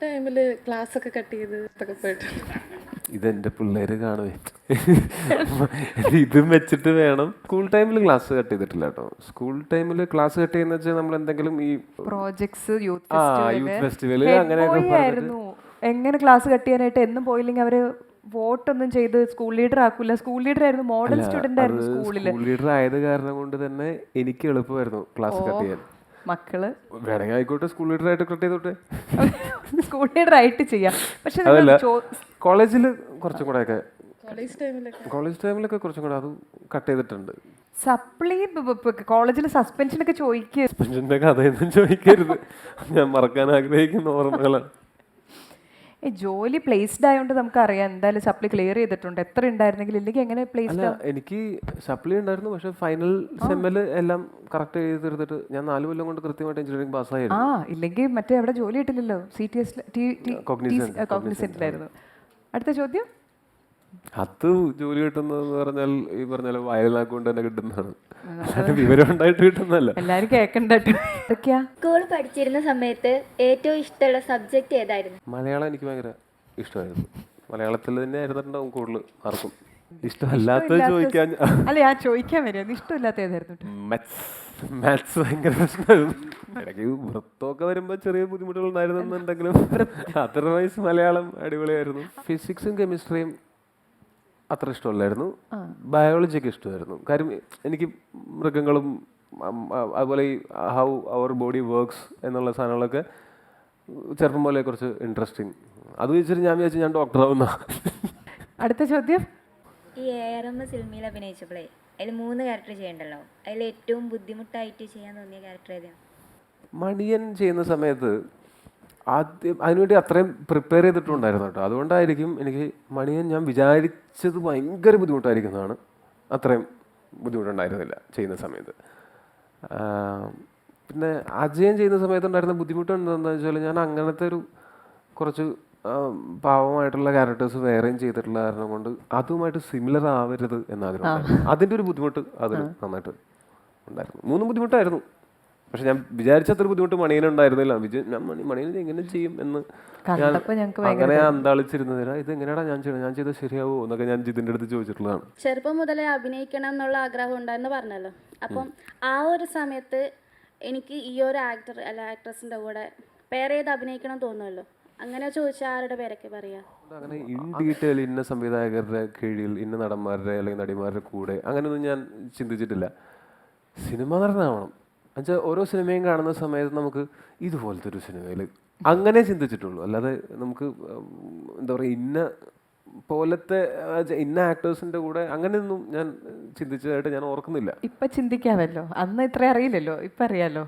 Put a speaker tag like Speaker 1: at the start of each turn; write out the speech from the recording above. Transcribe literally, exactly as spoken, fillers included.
Speaker 1: ടൈമിൽ ക്ലാസ് ഒക്കെ കട്ട് ചെയ്ത് ഒക്കെ പോയിട്ടുണ്ട്.
Speaker 2: ഇതെന്റെ പിള്ളേര് കാണുവേ. ഇതും വെച്ചിട്ട് വേണം. സ്കൂൾ ടൈമിൽ ക്ലാസ് കട്ട് ചെയ്തിട്ടില്ല കേട്ടോ. സ്കൂൾ ടൈമിൽ ക്ലാസ് കട്ട് ചെയ്യുന്ന വെച്ചാൽ നമ്മൾ എന്തെങ്കിലും ഈ
Speaker 3: പ്രോജക്ട്സ് യൂത്ത്
Speaker 2: ആ യൂത്ത് ഫെസ്റ്റിവല് അങ്ങനെയൊക്കെ
Speaker 3: ആയിരുന്നു. എങ്ങനെ ക്ലാസ് കട്ട് ചെയ്യാനായിട്ട് എന്നും പോയില്ലെങ്കിൽ അവര് വോട്ടൊന്നും ചെയ്ത് സ്കൂൾ ലീഡർ ആക്കൂല. സ്കൂൾ ലീഡർ ആയിരുന്നു, മോഡൽ സ്റ്റുഡന്റ് ആയിരുന്നു സ്കൂളിൽ.
Speaker 2: സ്കൂൾ ലീഡർ ആയത് കാരണം കൊണ്ട് തന്നെ എനിക്ക് എളുപ്പമായിരുന്നു ക്ലാസ് കട്ട് ചെയ്യാൻ.
Speaker 3: മക്കള്
Speaker 2: വേണമെങ്കിൽ ആയിക്കോട്ടെ, സ്കൂൾ ലീഡർ ആയിട്ട് കട്ട് ചെയ്തോട്ടെ,
Speaker 3: സ്കൂൾ ലീഡർ ആയിട്ട് ചെയ്യാം. പക്ഷെ
Speaker 2: അതല്ല കോളേജിൽ കുറച്ചും കൂടെ ഒക്കെ
Speaker 1: കോളേജ് ടൈമിലൊക്കെ
Speaker 2: കോളേജ് ടൈമിലൊക്കെ കുറച്ചും കൂടെ അത് കട്ട് ചെയ്തിട്ടുണ്ട്.
Speaker 3: സപ്ലി കോളേജിൽ സസ്പെൻഷനൊക്കെ ചോദിക്കുക.
Speaker 2: സസ്പെൻഷന്റെ കഥയൊന്നും ചോദിക്കരുത്, ഞാൻ മറക്കാൻ ആഗ്രഹിക്കുന്ന ഓർമ്മകളാണ്.
Speaker 3: ഈ ജോലി പ്ലേസ്ഡ് ആയതുകൊണ്ട് നമുക്കറിയാം എന്തായാലും സപ്ലി ക്ലിയർ ചെയ്തിട്ടുണ്ട്. എത്ര ഉണ്ടായിരുന്നെങ്കിൽ ഇല്ലെങ്കിൽ എങ്ങനെ പ്ലേസ്ഡ്?
Speaker 2: എനിക്ക് സപ്ലി ഉണ്ടായിരുന്നു, പക്ഷെ ഫൈനൽ സെമ്മില് എല്ലാം കറക്റ്റ് ചെയ്ത് തീർത്തിട്ട് ഞാൻ നാല് കൊല്ലം കൊണ്ട് കൃത്യമായിട്ട് എഞ്ചിനീയറിംഗ് പാസ്സായിരുന്നു.
Speaker 3: ആ ഇല്ലെങ്കിൽ മറ്റേ അവിടെ ജോലി കിട്ടില്ലല്ലോ. സി ടി എസ് കോഗ്നിസെന്റിലായിരുന്നു. അടുത്ത ചോദ്യം.
Speaker 2: അത് ജോലി കിട്ടുന്നതെന്ന് പറഞ്ഞാൽ ഈ പറഞ്ഞാൽ വയലാക്കൊണ്ട് തന്നെ കിട്ടുന്നതാണ്, വിവരം ഉണ്ടായിട്ട് കിട്ടുന്നതല്ല.
Speaker 3: എല്ലാരും കേൾക്കണ്ട.
Speaker 4: സ്കൂൾ പഠിച്ചിരുന്ന സമയത്ത് ഏറ്റവും ഇഷ്ടമുള്ള സബ്ജക്ട് ഏതായിരുന്നു?
Speaker 2: മലയാളം എനിക്ക് ഭയങ്കര ഇഷ്ടമായിരുന്നു. മലയാളത്തിൽ തന്നെ ആയിരുന്നിട്ടുണ്ടാവും കൂടുതൽ ആർക്കും. ഇഷ്ടമല്ലാത്തത് ചോദിക്കാൻ
Speaker 3: അല്ല, ഞാൻ ചോദിക്കാൻ വരും. ഇഷ്ടമില്ലാത്ത ഏതായിരുന്നു?
Speaker 2: മാത്സ് ഭയങ്കര പ്രശ്നമായിരുന്നു. ഇടയ്ക്ക് വൃത്തമൊക്കെ വരുമ്പോൾ ചെറിയ ബുദ്ധിമുട്ടുകൾ ഉണ്ടായിരുന്നെന്നുണ്ടെങ്കിലും അതർവൈസ് മലയാളം അടിപൊളിയായിരുന്നു. ഫിസിക്സും കെമിസ്ട്രിയും അത്ര ഇഷ്ടമല്ലായിരുന്നു. ബയോളജിയൊക്കെ ഇഷ്ടമായിരുന്നു. കാര്യം എനിക്ക് മൃഗങ്ങളും അതുപോലെ ഈ ഹൗ അവർ ബോഡി വർക്ക്സ് എന്നുള്ള സാധനങ്ങളൊക്കെ ചെറുപ്പം പോലെ കുറച്ച് ഇൻട്രസ്റ്റിങ്. അത് വെച്ചിട്ട് ഞാൻ വിചാരിച്ചു ഞാൻ ഡോക്ടറാവുന്ന.
Speaker 3: അടുത്ത ചോദ്യം.
Speaker 4: ഈ എ ആർ എം സിനിമയിൽ അഭിനയിച്ചപ്പോഴേ അതിൽ മൂന്ന് ക്യാരക്ടർ ചെയ്യണ്ടല്ലോ, അതിൽ ഏറ്റവും ബുദ്ധിമുട്ടായിട്ട് ചെയ്യാൻ തോന്നിയ ക്യാരക്ടർ ഏതാണ്?
Speaker 2: മണിയൻ ചെയ്യുന്ന സമയത്ത് ആദ്യം അതിനുവേണ്ടി അത്രയും പ്രിപ്പയർ ചെയ്തിട്ടുണ്ടായിരുന്നു കേട്ടോ. അതുകൊണ്ടായിരിക്കും എനിക്ക് മണിയൻ ഞാൻ വിചാരിച്ചത് ഭയങ്കര ബുദ്ധിമുട്ടായിരിക്കുന്നതാണ്. അത്രയും ബുദ്ധിമുട്ടുണ്ടായിരുന്നില്ല ചെയ്യുന്ന സമയത്ത്. പിന്നെ അജയൻ ചെയ്യുന്ന സമയത്തുണ്ടായിരുന്ന ബുദ്ധിമുട്ട് എന്താണെന്ന് വെച്ചാൽ ഞാൻ അങ്ങനത്തെ ഒരു കുറച്ച് പാവമായിട്ടുള്ള ക്യാരക്ടേഴ്സ് വേറെയും ചെയ്തിട്ടുള്ള കാരണം കൊണ്ട് അതുമായിട്ട് സിമിലർ ആവരുത് എന്നാഗ്രഹം. അതിൻ്റെ ഒരു ബുദ്ധിമുട്ട് അതിന് നന്നായിട്ട് ഉണ്ടായിരുന്നു. മൂന്നും ബുദ്ധിമുട്ടായിരുന്നു. പക്ഷെ ഞാൻ വിചാരിച്ചത്ര ബുദ്ധിമുട്ട് മണിയനുണ്ടായിരുന്നില്ല. ഞാൻ മണി മണിയൻ എങ്ങനെ ചെയ്യും എന്ന് ഞാൻ അങ്ങനെ അന്താളിച്ചിരുന്നതിനാ ഇത് എങ്ങനെയാടാ ഞാൻ ചെയ്യണം, ഞാൻ ചെയ്താൽ ശരിയാവോ എന്നൊക്കെ ഞാൻ ജിതിൻ്റെ അടുത്ത് ചോദിച്ചിട്ടുള്ളതാണ്.
Speaker 5: ചെറുപ്പം മുതലേ അഭിനയിക്കണം എന്നുള്ള ആഗ്രഹം ഉണ്ടായിരുന്നു പറഞ്ഞല്ലോ. അപ്പം ആ ഒരു സമയത്ത് എനിക്ക് ഈ ഒരു ആക്ടർ അല്ല ആക്ട്രസിൻ്റെ കൂടെ പേര് ചെയ്ത് അഭിനയിക്കണം തോന്നുമല്ലോ. അങ്ങനെ ചോദിച്ചാൽ ആരുടെ പേരൊക്കെ പറയാ?
Speaker 2: അങ്ങനെ ഇൻ ഡീറ്റെയിൽ ഇന്ന സംവിധായകരുടെ കീഴിൽ ഇന്ന നടന്മാരുടെ അല്ലെങ്കിൽ നടിമാരുടെ കൂടെ അങ്ങനെയൊന്നും ഞാൻ ചിന്തിച്ചിട്ടില്ല. സിനിമ നടനാവണം എന്നുവെച്ചാൽ ഓരോ സിനിമയും കാണുന്ന സമയത്ത് നമുക്ക് ഇതുപോലത്തെ ഒരു സിനിമയിൽ അങ്ങനെ ചിന്തിച്ചിട്ടുള്ളൂ. അല്ലാതെ നമുക്ക് എന്താ പറയുക ഇന്ന പോലത്തെ ഇന്ന ആക്ടേഴ്സിന്റെ കൂടെ അങ്ങനെയൊന്നും ഞാൻ ചിന്തിച്ചതായിട്ട് ഞാൻ ഓർക്കുന്നില്ല.
Speaker 3: ഇപ്പൊ ചിന്തിക്കാമല്ലോ, അന്ന് ഇത്ര അറിയില്ലല്ലോ, ഇപ്പൊ അറിയാലോ.